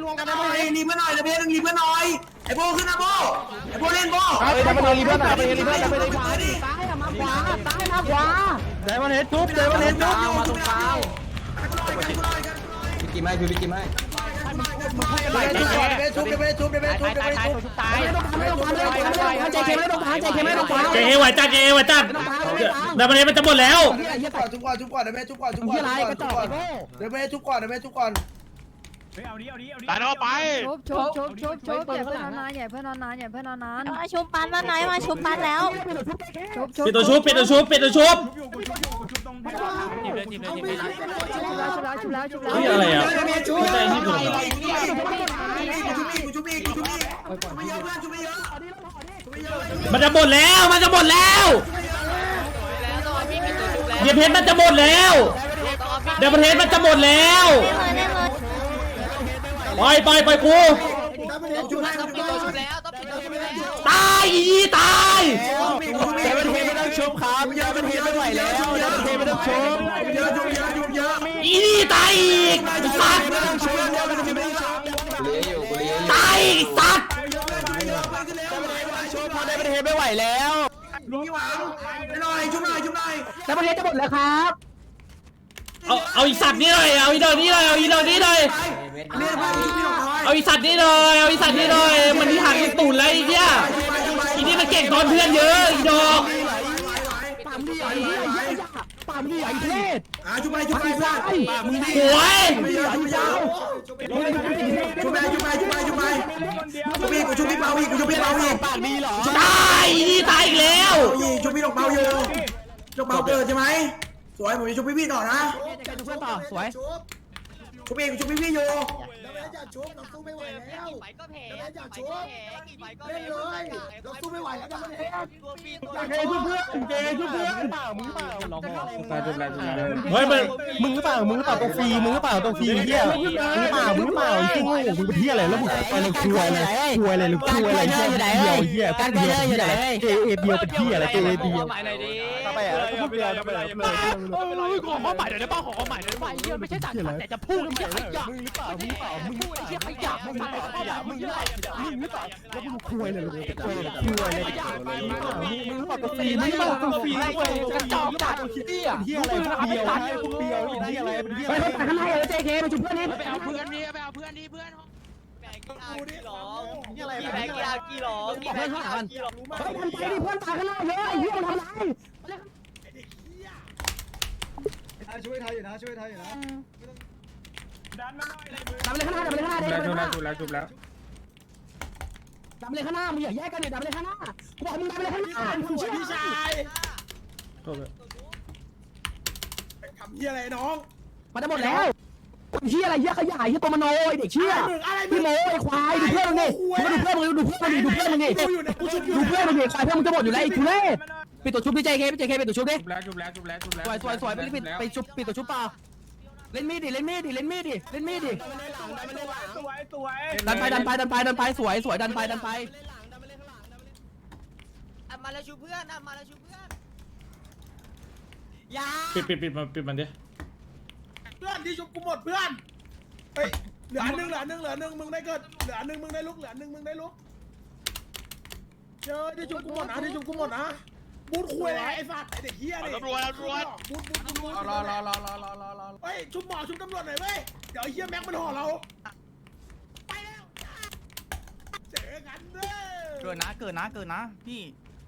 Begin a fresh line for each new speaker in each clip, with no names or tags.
งกันนะเฮ้ยรีบมาหน่อยระเบียงรีบมาหน่อยไอ้โบขึ้นนะโบไอ้โบเล่นโบ
เฮ้ยดับเบิลรีเพื่อนดับเบิลรีเพื่อนดับเบิลรี
ขวาดิ
ซ้ายมาขวาซ้ายมาขวา
เดมันเฮดทุบเดมันเฮดทุบ
มาตรงกลาง
พี่กิมให้พี่กิมให้
ตายไม่ต้องทำใจเค็มไม่ต้องทำใจเค็มไม่ต้องทำ
เจเอไหวจัดเจเอไหวจัดแต่ประเด็นมันจะหมดแล้ว
จุบก่อนเดี๋ยวแม่จุบก่อนเดี๋ยวแม่จุบก่อนเดี๋ยวแม่จุบก่อน
ตายแล้วไป
ชุบอย่าเพิ่งนานอย่าเพิ่งนาน
มาชุบปันมาหน่อยมาชุบปันแล้ว
ปิดตัวชุบปิดตัวชุบปิดตัวชุบ นี่อะไรอ่ะไม่ใช่ที่ผมเหรอ
จุบอีกไม่เยอะเพื่อนจุบไม่เยอะ
มันจะหมดแล้วมันจะหมดแล้วเดี๋ยวเพชรมันจะหมดแล้วเดี๋ยวประเทศมันจะหมดแล้วไปกูตายอีตาย
เดมันเฮดไม่ต้องชุบครับเดมันเฮดไม่ไหวแล้วเดมันเฮดไม่ต้องชุบ
เยอะ
อีนี่ตายอีกสัตว์
ไม่ต้องชุบเดมันเฮดไม่ต้องชุบ
ตายอีกสัตว์
ชุบพอเดมันเฮดไม่ไหวแล้ว
พี่หวังไปหน่อยชุบหน่อย
แต่ประเทศจะหมดแล้วครับ
เอาอีสัตว์นี่เลยเอาอีเดินนี่เลยเอาอีเดินนี่เลย
เรียกไปชุบพี่หน่อย
เอาอีสัตว์นี่เลยเอาอีสัตว์นี่เลยมันที่หักอีตุ่นเลยไอ้เหี้ยอีนี่มันเก่งตอนเพื่อนเยอะอีดอก
ปามดีใหญ่ปามดีใหญ่เทศ
ชุบไปเพื่อนมึงดี
หวย
ไม่ยาวชุบพี่เปาอีกชุบพี่เปาอีก
ปากดีเหรอ
ตายอีนี่ตายอีกแล้ว
ชุบพี่ดอกเปาอยู่ดอกเปาเกิดใช่ไหมสวยผมจะชุบพี่ต่อนะ
เพื่อนต่อสวย
ชุบพี่อยู่
อย่าชุบเราสู้ไม่ไหวแล้วอย่าชุบเล่นเลยเราสู้ไม่ไหวแล้วนะเล่น
เจทุบเพื่อนเปล่ามึงเปล่าลองบอก
เฮ้ยมัน
มึงหรือเปล่าตรงฟรีมึงหรือเปล่าตรงฟรีเหี้ยมึงหรือเปล่าจริงโง่มึงเป็นเหี้ยอะไรแล้วมึงไปเลยคุยอะไรเหี้ยการเดียวอยู่ไหนเอเดียวเป็นเหี้ยอะไรเอเดียวไปอ่ะพูดเดียวไปเลย
ขอข้อหมายหน่อยได้ป่ะขอข้อหมายหน่อยได้ป่ะ
เหี้ยไม่ใช่จัดแต่จะพูดไม่ใช่ขยะ
มึงหรือเปล่า
พูดไอ้เหี้ยขยะมึงหรือเปล่ามึงหรือเปล่า
แล้วมึงคุยเลยมึงคุยเลยมึงหรือเปล่าตรงฟรีมึงหรือเปล่าตรงฟรีกระจอกจัดเหี้ยอะไรพวกเดียวพวกเดียวเป็นเหี้ยอะไรเป็นเหี้ย
ไปไปข้างในเลยเจเคมาชุบเพื่อนนี่
ไปเอาเพื่อนดิไปเอาเพื่อนดิเพื่อน
อะไร
เพื่อนข้างหลังไปดิเพื่อนตายข้างหน้าเยอะไอ้เหี้ยมันทำไร
ช่วยไทยอยู่นะช่วยไทยอยู่นะ
ดับเลยข้างหน้าดับเลยข้างหน้าเด็กดับเลยข้างหน้า
จุบแล้ว
ดับเลยข้างหน้ามึงอย่าแยกกันเนี่ยดับเลยข้างหน้าบอกมึงดับเลยข้างหน้าพี่ชาย
ทำเหี้ยอะไรน้อง
มันจะหมดแล้วเหี้ยอะไรเหี้ยขยายเหี้ยตัวมโนไอ้เด็กเชี่ยพี่โมไอ้ควายดูเพื่อนมึงดิมึงดูเพื่อนมึงดูเพื่อนมึงดิดูเพื่อนมึงดิควายเพื่อนมึงจะหมดอยู่แล้วไอ้ทุเรศปิดตัวชุบพี่เจเคปิดตัวชุบดิสวยไปชุบปิดตัวชุบเปล่าเล่นมีดดิดันไปสวยดันไป
มาแล้วชูเพื่อนมาแล้วชูเพื่อน
ปิดมันดิ
เพื่อนที่ชุบกูหมดเพื่อนเฮ้ยเหลือหนึ่งมึงได้เกิดเหลือหนึ่งมึงได้ลุกเจอที่ชุบกูหมดนะบูทคุยอะไรไอ้สัตว์ไอ้เด็กเหี้ยนี่
ตำรวจ
บูทรอเฮ้ยชุบหมอชุบตำรวจหน่อยเว้ยเดี๋ยวไอ้เหี้ยแม็กมันห่อเราไปแล้วเจอกันเด้อ
เกิดนะพี่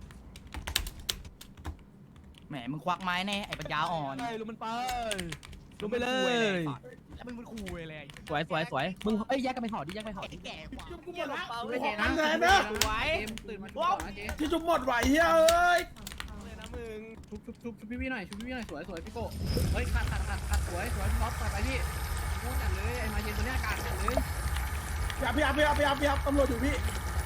แหมมึงควักไม้แน่ไอ้ปัญญาอ่อนลุมมันไปลุมไปเลยแล้วมึงคุยเลยสวยมึงเอ้ยแยกกันไปห่อดิ
แก่กว่า
ชุบกูหมดละกูขอกันแทนนะที่ชุบหมดไหวเฮ้ยเอ้ย
ชุบพี่หน่อยสวยพี่โก้เฮ้ยขาดสวยท็อปไปพี่พูดกันเลยไอ้มาเย็นตัวนี้อากาศกันเลย
พี่ตำรวจอยู่พี่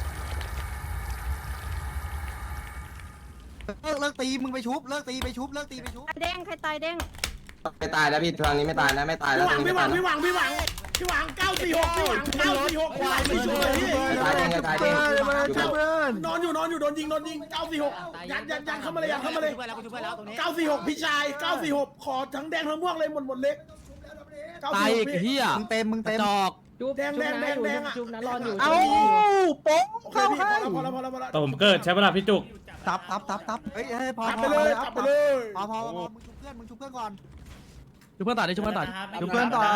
เลิกตีมึงไปชุบเลิกตีไปชุบ
เด้งใครตายเด้ง
ไม่ตายแล้วพี่ทางนี้ไม่ตายนะไม่ตายแล้วตรงนี้ไม่ตาย
พี่หวัง946พี่หวัง946พี่หวังไม่ช่วยพี่
ตายเองตายเอง
นอนอยู่โดนยิง946ยันเข้ามาเลย946พี่ชาย946ขอทั้งแดงทั้งม่วงเลยหมดเล็ก
ตายอีกเฮียมึงเต็มจอก
แดงอ่ะ
จุ๊บนะรออยู่
เอ้าโป๊ะ
โอเค
เข้า
พี่
ให้
พอแล้ว
แต่ผมเกิดใช้เวลาพี่จุก
ตับเฮ้ยพอ
จับไปเลยจับไปเลย
พอมึงชุบเพื่อนก่อน
จุ๊บเพื่อนต่อดิจุ๊บเพื่อนต่อ
ชุบเพื่อนต่อ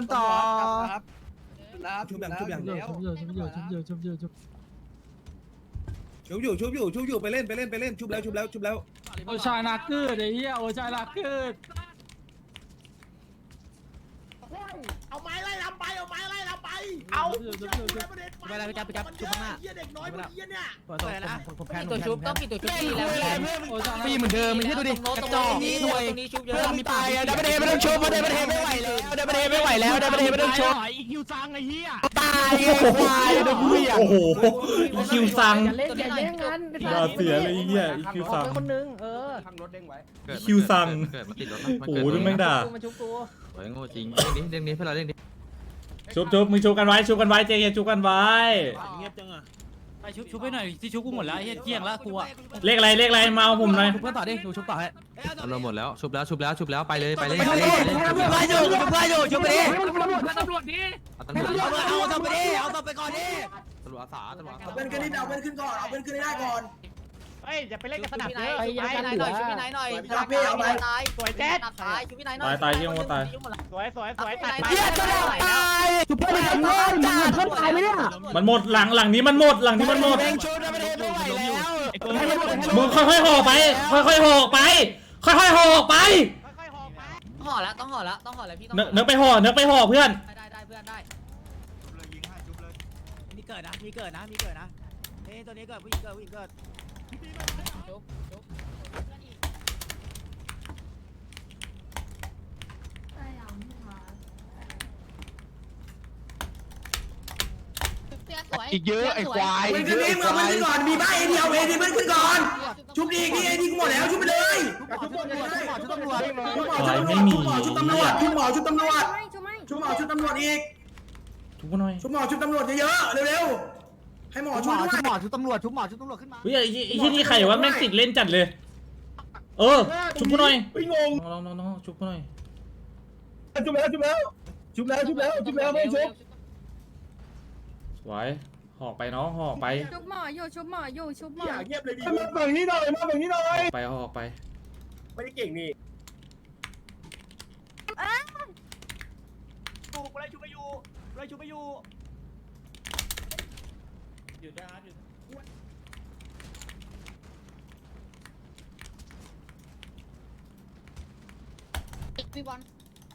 ชุบอย่างเดียว
ชุบเยอะชุบเยอะชุบเยอะชุบเยอะชุบ
ชุบอยู่ไปเล่นชุบแล้ว
โอชายนาเกิดไอ้เหี้ยโอชายนาเกิด
เอาไม้ไล่ลำไปเอาไปเหี้ยเด็กน้อยพวกเหี้ยเนี่ย
ผมแพ้ตัวชุบต้องปิดตัวชุบดีแล้วปีเหมือนเดิมไม่ใช่ดูดิกระจอกนี่ด้วยเพื่อนมีตายดับเบิลเดย์ไม่ต้องชุบดับเบิลเดย์ไม่ไหวแล้วดับเบิลเดย์ไม่ไหวแล้วดับเบิลเดย์ไม่ต้องชุบ
อีคิวซังไอ้เหี้ย
ตายไอ้ควายเด็กผู้ใหญ่
โอ้โหอีคิวซัง
เล่นอย่าแย่งกัน
อย่าเสียเลยไอ้เหี้ยอีคิวซัง
คนนึง
อีคิวซัง
เกิดมาติดรถ
โอ้โหดูแม่งด่า
มาชุบกู
โอ้ยโง่จริงเรื่องนี้เพื่อนเราเรื่องนี้
ชุบมึงชุบกันไว้เจเยชุบกันไว้
เงียบจังอ่ะ
ไปชุบไปหน่อยที่ชุบกูหมดแล้วไอ้เหี้ยเกลี้ยงแล้วกูอะ
เลขอะไรมาเอาผมหน่อย
ชุบเพื่อนต่อดิดูชุบต่อให้
เราหมดแล้วชุบแล้วไปเลย
ชุบเพื่อนอยู่ชุบไปดิ
ตำรวจดิ
ตำรวจ
เอาต่อไปดิเอาต่อไปก่อนดิ
ตำรวจอาสา
เอาเพื่อนขึ้นนี่เอาเพื่อนขึ้นก่อนเอาเพื่อนขึ้นให้ได้ก่อน
เฮ้ยอย่าไปเล่นกับสนับเยอะ
ไปยังกันเหลือ
สวยแจ๊ดตายเยี่ยมว่าตายสวยตัด
เฮียจะตายชุบเพื่อนทำเพื่อนจ่าเพื่อนตายไหมเนี่ย
มันหมดหลังนี้มันหมด
แบงชุบดับเบิลเดย์ไม่ไหวแล้ว
มึงค่อยๆห่อไปค่อยๆห่อไป
ห่อแล้วต้องห่อแล้วพี่ต้อง
เนื้อไปห่อเพื่อน
ได้เพื่อนได้
มีเกิดนะเฮ้ยตัวนี้เกิดผู้หญิงเกิด
อีกเยอะไอ้ควาย
เพื่อนขึ้นนี่มึงเอาเพื่อนขึ้นก่อนมีบ้าเอเดียวเอดีเพื่อนขึ้นก่อนชุบดีนี่เอดีกูหมดแล้วชุบไปเลยชุบตำรวจ
ชุบตำรวจ
ชุบหมอชุบตำรวจ
ชุบไม่
ชุบหมอชุบตำรวจอีก
ชุบหน่อย
ชุบหมอชุบตำรวจเยอะๆเร็วๆให้หมอชุบด้วย
ชุบตำรวจขึ้นมา
เฮ้ยไอ้ที่นี่ใครวะแม่งติดเล่นจัดเลย ชุบกูหน่อย
ไม่งง
น้องชุบกูหน่อย
ชุบแล้วไม่ชุบ
สวยห่อไปน้องห่อไป
ชุบหมออยู่ชุบหมอ
อย่าเงียบเลยดิมาฝั่งนี้หน่อย
ไปห่อไป
ไม่ได้เก่งนี่
พี่บอล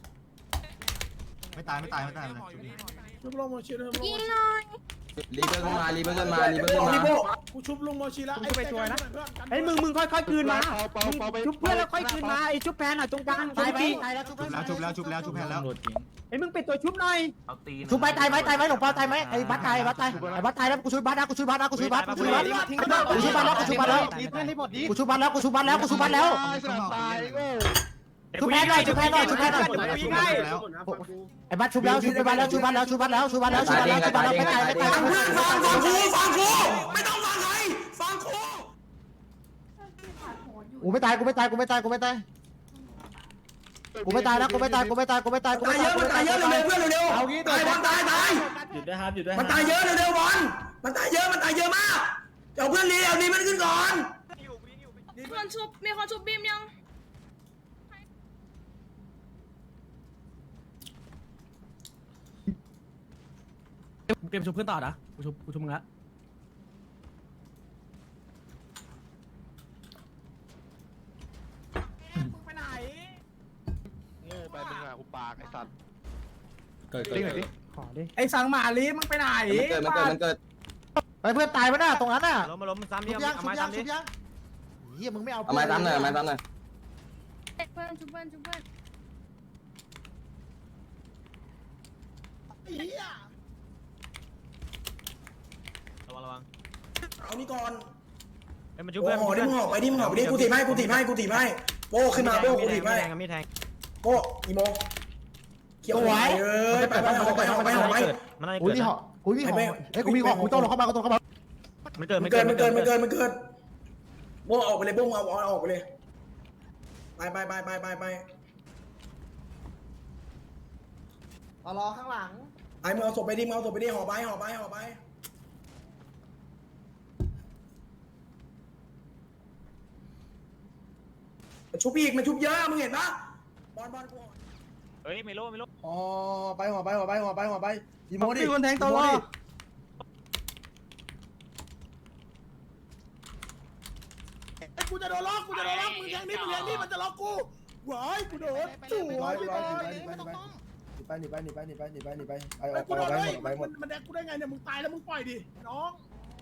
ไม่ตาย
ชุบลงมาชีแล้ว
ยิงหน่อย
รีเบิร์ขึ้นมา
กูชุบลงมาชีแล้วไอ้ไปช่วยนะ
ไอ้มึงค่อยๆคืนมาชุบเพื่อนแล้วค่อยคืนมาไอ้ชุบแพนอ่ะตรงกลางตายไป
ชุบแพนแล้ว
ตำรวจจริง
ไอ้มึงปิดตัวชุบหน่อย
ชุบไปตายไหมหลวงพ่อตายไหมไอ้บัตตายแล้วกูชุบบัตแล้วกูชุบบัตแล้วชุบแพนหน่อยไอ้บัตชุบแล้วไปตายไม่ตาย
ฟังกูไม่ต้องฟังใครฟังกู
กูไม่ตายแล้วกูไม่ตาย
ตายเยอะมันตายเยอะเร็วๆเพื่อนเร็วๆตายบอลตายหยุดด้วยมันตายเยอะเร็วๆบอลมันตายเยอะมากเอาเพื่อนรีเอาดีมันขึ้นก่อน
มีคนชุบบีมยัง
เตรียมชุบเพื่อนต่อนะกูชุบมึงละ
เกิด
ขอดิ
ไอ้สังหมาลีมึงไปไหน
มันเกิด
ไปเพื่อนตายปะน่ะตรงนั้นน่ะ
ล้มซ้ำ
ชุบยังเฮียมึงไม่เอา
เอาไม้ตามหน่อย
เพื่อนชุบเพื่อน
ระวัง
เอานี่ก่อน
ไอ้มันชุบ
โอ้
เพื่อน
โหนี่มึงออกไปดิกูถีบให้โบ้ขึ้นมาโบ้กูถีบให้
ไม่แทง
โบ้อีโมเขียวไหวไปออกไป
มันอะไร
อุ้ย
เกิด
นี่หออุ้ยนี่หอเฮ้ยกูมีหอกูต้องลงเข้ามา
มันเกิด
โบ้ออกไปเลยโบ้เอาออกไปเลยไป
รอข้างหลัง
ไอ้มึงเอาศพไปดิมึงเอาศพไปดิห่อไปชุบอีกมันชุบเยอะมึงเห็นปะบอลกู
เฮ้ยไม่รู้
ห่อไปอีโมดิ
คนแทงตลอด
กูจะโดนล็อกมึงแทงนี่มันจะล็อกกูหวายกูโดนจู่หนีไปกูโดนเลยมันแดกกูได้ไงเนี่ยมึงตายแล้วมึงปล่อยดิน้อง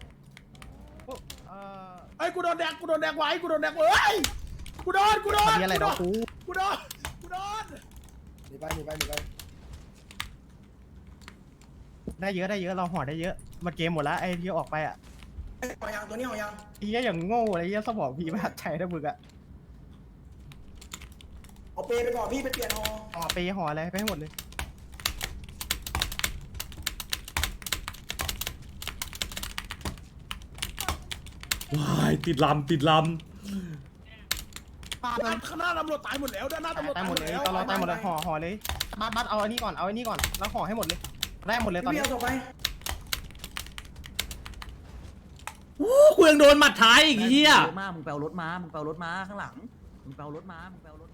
ไอ้กูโดนแดกไว้กูโดนกูโดน
มีอะไรนะกู
กูโดนหนีไป
ได้เยอะเราห่อได้เยอะมันเกมหมดแล้วไอ้ที่ออกไปอ่ะ
ห่อยังตัวนี้ห่อยัง
ไอ้เหี้ยอย่างโง่อะไรเหี้ยสมองพี่มากใช้นะมึงอ่ะ
เอาเปไปก่อนพี่ไปเปลี่ยนห่อ
ห่อไปห่ออะไรไปให้หมดเลย
ว้ายติดลำ
ข้างหน้าตำรวจตายหมดแล้วด้านหน้าตำรวจ
ตายหมดเลยตลอดตายหมดเลยห่อเลยบัสเอาอันนี้ก่อนแล้วห่อให้หมดเลยได้หมดเลยตอนนี้
เอาศพไป
กูยังโดนหมัดท้ายอีกเหี้ย
มึงไปเอารถมาข้างหลังมึงไปเอารถมา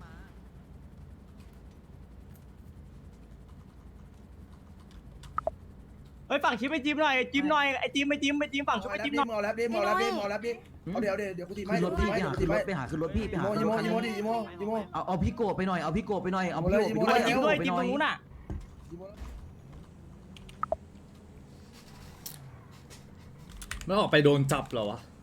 เฮ้ยฝั่งชิปไปจิ้มหน่อยไอ้จิ้มฝั่งชิปไปจิ้มหน่อย
เอาแล้วดิเอาเดี๋ยวกูตีไม่
ไปหาขึ้นรถพี่ไปหา
อีโม
เอาพี่โกไปหน่อยเอาพี่โกไปหน่อยเอาพี่โกไป
จิ้ม
ด้วย
จิ้มตรงนู้นน่ะ
ไม่ออกไปโดนจับเหรอวะ